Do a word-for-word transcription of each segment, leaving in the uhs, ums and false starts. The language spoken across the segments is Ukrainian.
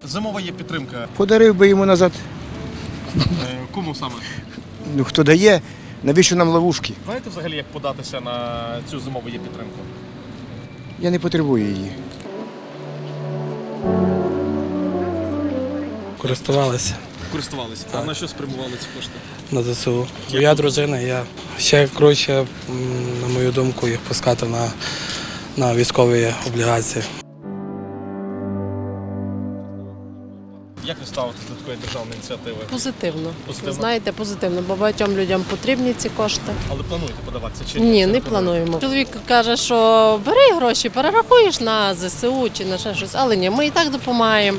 Зимова є підтримка. Подарив би йому назад. Кому саме? Ну хто дає, навіщо нам ловушки? Знаєте взагалі, як податися на цю зимову є підтримку? Я не потребую її. Користувалися Користувалися. А на що спрямували ці кошти? на ЗСУ. Моя дружина, я ще краще, м, на мою думку, їх пускати на, на військові облігації. Як ви ставитесь до такої державної ініціативи? Позитивно. Позитивно? Знаєте, позитивно, бо багатьом людям потрібні ці кошти. Але плануєте подаватися чи Ні, Це не плануємо. Чоловік каже, що бери гроші, перерахуєш на ЗСУ чи на ще щось, але ні, ми і так допомагаємо.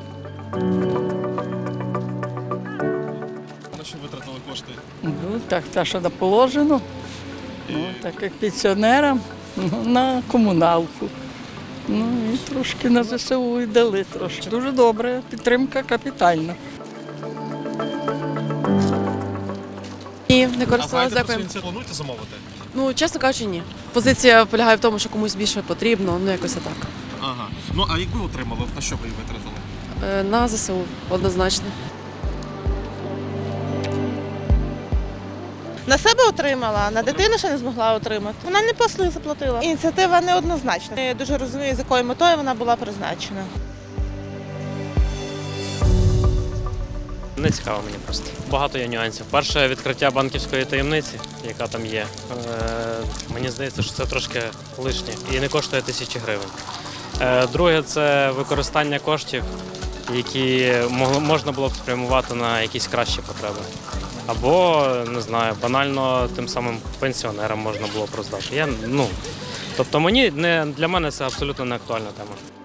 На що витратили кошти? Ну, так, те, що положено, ну, так як пенсіонерам, ну, на комуналку. Ну і трошки на ЗСУ і дали трошки. Дуже добре, підтримка капітальна. Ні, не А знаєте, користувалася, про цю дякую. ініціативу плануєте замовити? Ну, чесно кажучи, ні. Позиція полягає в тому, що комусь більше потрібно, ну якось так. Ага. Ну, а якби отримали, на що ви її витратили? Е, На ЗСУ однозначно. На себе отримала, а на дитину ще не змогла отримати. Вона не послуги заплатила. Ініціатива неоднозначна. Я дуже розумію, з якою метою вона була призначена. Не цікаво мені просто. Багато є нюансів. Перше, відкриття банківської таємниці, яка там є. Е, мені здається, що це трошки лишнє і не коштує тисячі гривень. Е, друге, це використання коштів, які могло- можна було б спрямувати на якісь кращі потреби. Або, не знаю, банально тим самим пенсіонерам можна було б роздати. Я, ну, тобто мені, не, для мене це абсолютно не актуальна тема.